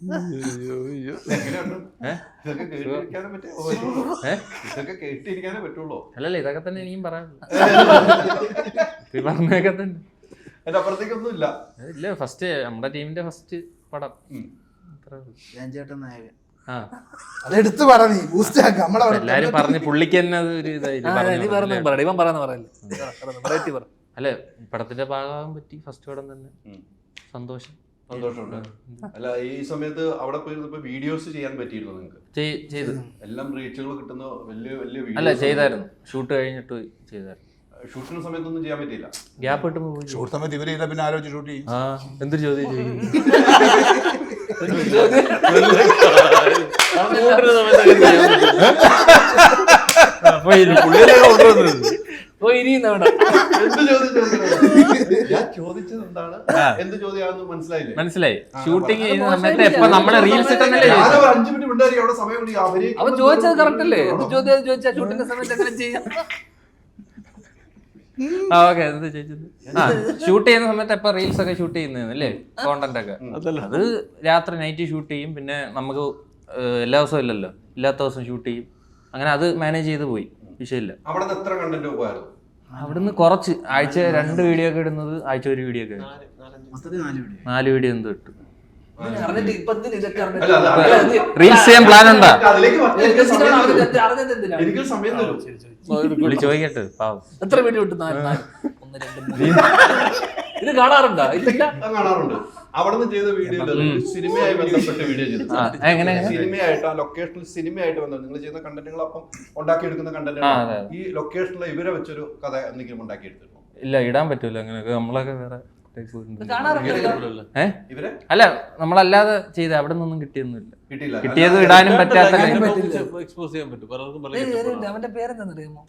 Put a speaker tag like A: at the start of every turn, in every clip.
A: അല്ലല്ല ഇതൊക്കെ തന്നെ എനിക്കും പറയാനുള്ളൂ. പറഞ്ഞൊക്കെ തന്നെ.
B: അതിന്റെ അപ്പുറത്തേക്കൊന്നും ഇല്ല.
A: ഇല്ല, ഫസ്റ്റ് നമ്മുടെ ടീമിന്റെ ഫസ്റ്റ് പടം.
C: അതെടുത്ത് പറഞ്ഞു ബൂസ്റ്റ് ആക്കാം.
A: എല്ലാരും പറഞ്ഞ് പുള്ളിക്ക് തന്നെ അത് ഒരു അല്ല പടത്തിന്റെ ഭാഗമാകാൻ പറ്റി. ഫസ്റ്റ് പടം തന്നെ സന്തോഷം.
B: സന്തോഷമുണ്ട്. അല്ല ഈ സമയത്ത് അവിടെ പോയിരുന്നപ്പോ വീഡിയോസ് ചെയ്യാൻ പറ്റിയിരുന്നു നിങ്ങൾക്ക്?
A: ചെയ്തു.
B: എല്ലാം റീച്ചുകൾ കിട്ടുന്ന വലിയ വലിയ
A: അല്ല ചെയ്തായിരുന്നു. ഷൂട്ട് കഴിഞ്ഞിട്ട് ചെയ്തായിരുന്നു.
B: ഷൂട്ടിന് സമയത്തൊന്നും ചെയ്യാൻ പറ്റിയില്ല.
A: ഗ്യാപ്പ് കിട്ടുമ്പോ
C: ഷൂട്ട് സമയത്ത് ഇവരില്ല, പിന്നെ ആലോചിച്ച് ഷൂട്ട് ചെയ്യും.
A: എന്തൊരു ചോദ്യം ചെയ്യും. മനസ്സിലായി. ഷൂട്ടിങ് ചെയ്യുന്ന സമയത്ത് എപ്പോ നമ്മുടെ റീൽസ്
D: അവൻ ചോദിച്ചത് കറക്റ്റ് അല്ലേ? ചോദ്യം ചോദിച്ചാൽ ഷൂട്ടിന്റെ സമയത്ത് എങ്ങനെ ചെയ്യാം?
A: ഓക്കെ, എന്താ ചോദിച്ചത്? ഷൂട്ട് ചെയ്യുന്ന സമയത്ത് എപ്പോ റീൽസ് ഒക്കെ ഷൂട്ട് ചെയ്യുന്നല്ലേ, കോണ്ടന്റ് ഒക്കെ. അത് രാത്രി നൈറ്റ് ഷൂട്ട് ചെയ്യും. പിന്നെ നമുക്ക് എല്ലാ ദിവസവും ഇല്ലല്ലോ, ഇല്ലാത്ത ദിവസം ഷൂട്ട് ചെയ്യും. അങ്ങനെ അത് മാനേജ് ചെയ്ത് പോയി, വിഷയമില്ല. അവിടുന്ന് കുറച്ച് ആഴ്ച 2 വീഡിയോ ഒക്കെ ഇടുന്നത്, ആഴ്ച 1 വീഡിയോ ഒക്കെ 4 വീഡിയോ എന്തോ ഇട്ടു. റീൽസ് ചെയ്യാൻ പ്ലാൻ ഉണ്ടാ? ചോദിക്കട്ടെ.
D: എത്ര വീഡിയോ ഇട്ടു? ഇത് കാണാറുണ്ടോ?
B: കാണാറുണ്ട്. അവിടെ ചെയ്ത വീഡിയോ സിനിമയായി ബന്ധപ്പെട്ട് വീഡിയോ ചെയ്തു. സിനിമയായിട്ട് ആ ലൊക്കേഷനിൽ സിനിമയായിട്ട് ബന്ധം നിങ്ങൾ ചെയ്യുന്ന കണ്ടന്റുകൾ അപ്പം ഉണ്ടാക്കിയെടുക്കുന്ന കണ്ടന്റ് ഈ ലൊക്കേഷനിൽ ഇവരെ വെച്ചൊരു കഥ എന്തെങ്കിലും ഉണ്ടാക്കിയെടുത്തിരുന്നു?
A: ഇല്ല, ഇടാൻ പറ്റൂല അങ്ങനെയൊക്കെ. നമ്മളൊക്കെ വേറെ അല്ല, നമ്മളല്ലാതെ ചെയ്ത അവിടെ നിന്നൊന്നും കിട്ടിയൊന്നുമില്ല. കിട്ടിയത് ഇടാനും പറ്റാത്ത.
D: അവന്റെ പേരെന്താണെന്നറിയാമോ?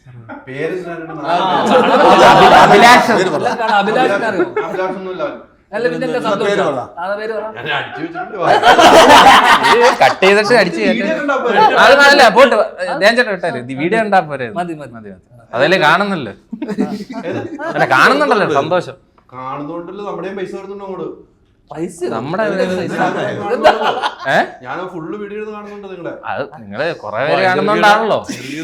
A: കട്ട് ചെയ്തിട്ട് അടിച്ചു അതല്ല പോട്ട് ധ്യാൻ വിട്ടാല് വീഡിയോ ഉണ്ടാ പോരെ.
D: മതി മതി മതി.
A: അതല്ലേ കാണുന്നല്ലോ. അല്ല കാണുന്നുണ്ടല്ലോ, സന്തോഷം
B: കാണുന്നോണ്ടല്ലോ. നമ്മുടെയും പൈസ വരുന്നുണ്ടോ അങ്ങോട്ട്?
A: നമ്മുടെ
B: ഞാൻ ഫുള്ള് വീഡിയോ കാണുന്നുണ്ട്.
A: നിങ്ങള് കൊറേ പേര് കാണുന്നോണ്ടാണല്ലോ.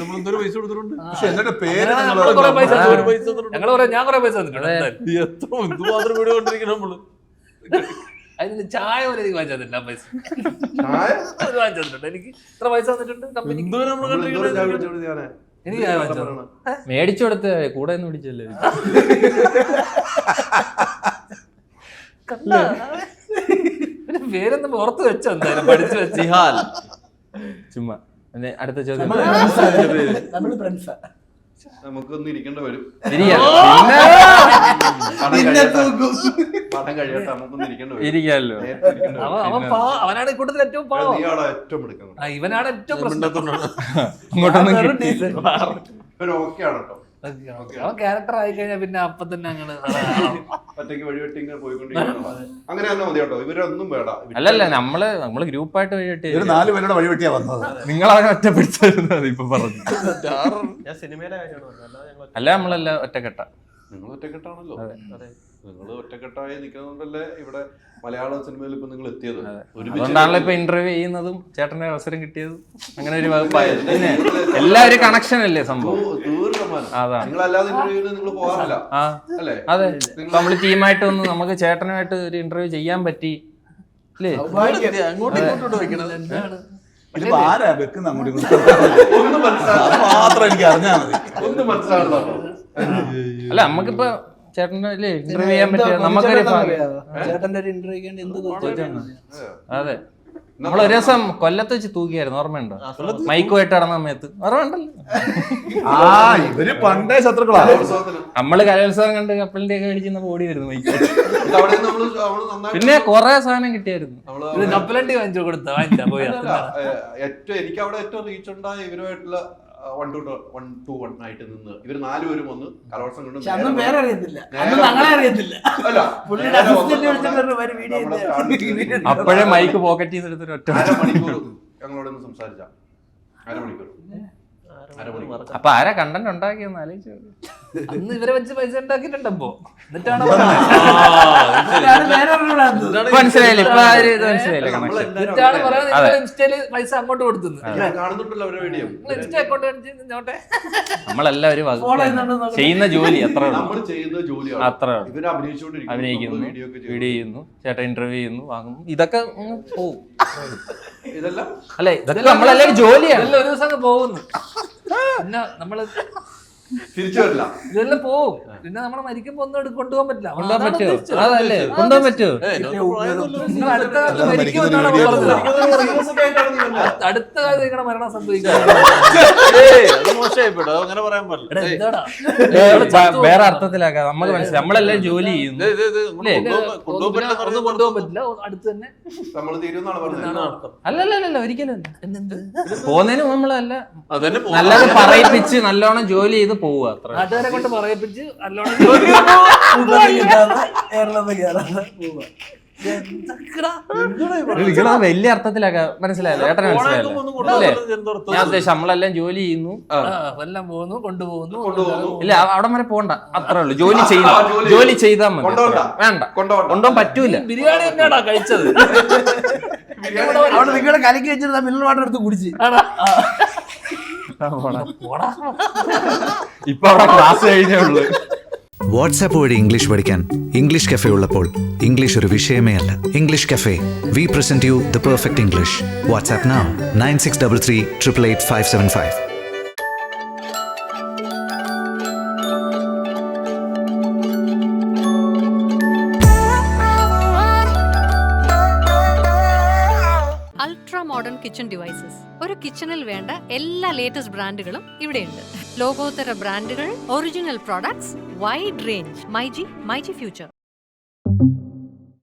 D: അതിന് ചായ പോലെ എനിക്ക് വാങ്ങിച്ചില്ല. പൈസ വാങ്ങിച്ചിട്ടുണ്ട്. എനിക്ക് ഇത്ര പൈസ വന്നിട്ടുണ്ട് കമ്പനിക്ക്. എനിക്ക്
A: മേടിച്ചു കൊടുത്ത് കൂടെ ഒന്ന് പിടിച്ചല്ലേ.
D: പിന്നെ പേരൊന്നും ഓർത്ത് വെച്ചോ? എന്തായാലും പഠിച്ചു വെച്ച്
A: ചുമ്മാ. അടുത്ത ചോദ്യം.
B: നമുക്കൊന്നും ഇരിക്കേണ്ട വരും.
A: ഇരിക്കാല്ലോ.
D: അവനാണ് കൂട്ടത്തിൽ ഏറ്റവും പാവം. ഇവനാണ് ഏറ്റവും പ്രശ്നം. അവൻ ക്യാരക്ടർ ആയി കഴിഞ്ഞാൽ പിന്നെ അപ്പൊ തന്നെ അങ്ങനെ
A: അല്ലല്ല നമ്മള് ഗ്രൂപ്പായിട്ട് വഴിവെട്ടി
C: 4 പേരുടെ വഴിവെട്ടിയാ വന്നത്.
A: നിങ്ങളവനെ ഒറ്റപ്പെടുത്തായിരുന്നു ഇപ്പൊ പറഞ്ഞു. അല്ല നമ്മളല്ല ഒറ്റക്കെട്ട.
B: നിങ്ങൾ ഒറ്റക്കെട്ടാണല്ലോ. നിങ്ങൾ ഒറ്റക്കെട്ടായി നിൽക്കുന്നതുകൊണ്ടല്ലേ ഇവിടെ മലയാള സിനിമയിൽ ഇപ്പൊ നിങ്ങൾ എത്തിയത്.
A: അതുകൊണ്ടാണല്ലോ ഇപ്പൊ ഇന്റർവ്യൂ ചെയ്യുന്നതും ചേട്ടന് അവസരം കിട്ടിയതും. അങ്ങനെ ഒരു വകുപ്പായ എല്ലാവരും കണക്ഷൻ അല്ലേ സംഭവം. അതെ, നമ്മള് ടീമായിട്ട് ഒന്ന് നമുക്ക് ചേട്ടനുമായിട്ട് ഒരു ഇന്റർവ്യൂ ചെയ്യാൻ പറ്റി അല്ലേ?
C: ആരാ വെക്കുന്ന മാത്രം എനിക്ക് അറിഞ്ഞാൽ മതി.
A: അല്ല നമുക്കിപ്പോ ചേട്ടൻ്റെ ഇന്റർവ്യൂ ചെയ്യാൻ പറ്റിയ നമുക്കൊരു
D: ചേട്ടന്റെ ഒരു ഇന്റർവ്യൂ.
A: അതെ, നമ്മൾ ഒരു ദിവസം കൊല്ലത്ത് വെച്ച് തൂക്കിയായിരുന്നു, ഓർമ്മയുണ്ടോ? മൈക്കുമായിട്ട് നടന്ന സമയത്ത് ഓർമ്മയുണ്ടല്ലോ.
C: ഇവര് പണ്ടേ ശത്രുക്കളാ.
A: നമ്മള് കലോത്സവം കണ്ട് കപ്പലിന്റെ ഒക്കെ മേടിച്ചിരുന്ന ഓടി വരുന്നു മൈക്ക്. പിന്നെ കൊറേ സാധനം കിട്ടിയായിരുന്നു.
D: കപ്പലണ്ടി വാങ്ങിച്ചു കൊടുത്ത വാങ്ങിച്ചാ പോയാ.
B: എനിക്ക് അവിടെ ഏറ്റവും റീച്ച് ഉണ്ടായ ഇവരുമായിട്ടുള്ള 1-to-1 ആയിട്ട് നിന്ന് ഇവർ 4 പേരും വന്ന് കലോത്സവം കൊണ്ട്
A: അപ്പോഴേ മൈക്ക് പോക്കറ്റ് ചെയ്തെടുത്തൊരു ഒറ്റ
B: അരമണിക്കൂർ ഞങ്ങളോട് സംസാരിച്ച. അരമണിക്കൂർ
A: അപ്പൊ ആരാ കണ്ടന്റ് ഉണ്ടാക്കിയെന്ന് ആലോചിച്ചു.
D: അന്ന് ഇവരെ വെച്ച് പൈസ ഉണ്ടാക്കിയിട്ടുണ്ടപ്പോ എന്നിട്ടാണ്
A: മനസ്സിലായില്ലേ ഇപ്പൊ ആ ഒരു ഇത് മനസ്സിലായില്ലേ കണക്ഷൻ.
D: എന്നിട്ടാണ് പറയുന്നത് ഇൻസ്റ്റയില് പൈസ അങ്ങോട്ട് കൊടുത്തത്.
B: കാണുന്നുണ്ടല്ലോ അവരുടെ വീഡിയോ.
D: Insta account കാണിച്ചോട്ടെ.
A: നമ്മളെല്ലാവരും ചെയ്യുന്ന ജോലി അത്ര
B: നമ്മൾ ചെയ്യുന്ന ജോലിയാണ്
A: അത്ര
B: ഇവര് അഭിനയിച്ചുകൊണ്ടിരിക്കുന്നു,
A: അഭിനയിക്കുന്നു,
B: വീഡിയോ ഒക്കെ
A: വീഡിയോ ചെയ്യുന്നു, ചേട്ടൻ ഇന്റർവ്യൂ ചെയ്യുന്നു, വാങ്ങുന്നു, ഇതൊക്കെ അങ്ങ് പോവും.
B: ഇതെല്ലാം
A: അല്ലെ ഇതൊക്കെ നമ്മളെല്ലാവരും ജോലിയാണ്.
D: ഇതെല്ലാം ഒരു ദിവസം അങ്ങ് പോകുന്നു. പിന്നെ നമ്മള്
B: തിരിച്ചു വരില്ല.
D: ഇതെല്ലാം പോവും. പിന്നെ നമ്മള് മരിക്കുമ്പോ ഒന്നും കൊണ്ടുപോകാൻ പറ്റില്ല.
A: കൊണ്ടുപോകാൻ പറ്റുമോ? അതല്ലേ കൊണ്ടുപോകാൻ പറ്റുമോ?
D: നിങ്ങൾ അടുത്ത കാലത്ത് മരിക്കുമെന്നാണ് പറഞ്ഞത്. അടുത്ത കാലത്ത് നിങ്ങളുടെ മരണം സംഭവിക്കുന്നത്
C: അങ്ങനെ പറയാൻ പാടില്ല.
D: എന്താടാ
A: വേറെ അർത്ഥത്തിലാക്കാം. നമുക്ക് മനസ്സിലായി നമ്മളെല്ലാം ജോലി ചെയ്യുന്നു.
D: കൊണ്ടുപോകാൻ പറ്റില്ല. അടുത്ത് തന്നെ
B: നമ്മൾ തീരുന്നാണ് പറഞ്ഞത്.
A: അല്ലല്ല ഒരിക്കലും പോകുന്നതിന് നമ്മളല്ല നല്ലത് പറയിപ്പിച്ച് നല്ലോണം ജോലി ചെയ്ത് പോവുക അത്ര.
D: നാട്ടുകാരെ കൊണ്ട് പറയിപ്പിച്ച് നല്ലോണം
A: വലിയ അർത്ഥത്തിലാക്കാം. മനസ്സിലായല്ലോ ഏട്ടനെ മനസ്സിലായല്ലോ അല്ലേ? ഞാൻ ഉദ്ദേശിച്ചു നമ്മളെല്ലാം ജോലി ചെയ്യുന്നു,
D: എല്ലാം പോകുന്നു, കൊണ്ടുപോകുന്നു.
A: ഇല്ല അവിടെ വരെ പോണ്ട, അത്രേ ഉള്ളൂ. ജോലി ചെയ്യുന്നു, ജോലി ചെയ്താൽ മതി. വേണ്ട കൊണ്ടുപോകാൻ പറ്റൂല.
D: ബിരിയാണി തന്നെയാണോ കഴിച്ചത്?
E: അവിടെ നിങ്ങളെ കലക്കി വെച്ചിരുന്ന മിനറൽ വാട്ടർ എടുത്ത് കുടിച്ച്
A: ഇപ്പൊ അവിടെ ക്ലാസ് കഴിഞ്ഞേ ഉള്ളൂ.
F: വാട്സാപ്പ് വഴി ഇംഗ്ലീഷ് പഠിക്കാൻ ഇംഗ്ലീഷ് കഫേ ഉള്ളപ്പോൾ ഇംഗ്ലീഷ് ഒരു വിഷയമേ അല്ല. English cafe, we present you the perfect English. WhatsApp now 9633 888 575.
G: Ultra modern kitchen devices. ഒരു കിച്ചണിൽ വേണ്ട എല്ലാ ലേറ്റസ്റ്റ് ബ്രാൻഡുകളും ഇവിടെയുണ്ട്. ലോകോത്തര ബ്രാൻഡുകൾ, original products, wide range. MyG future.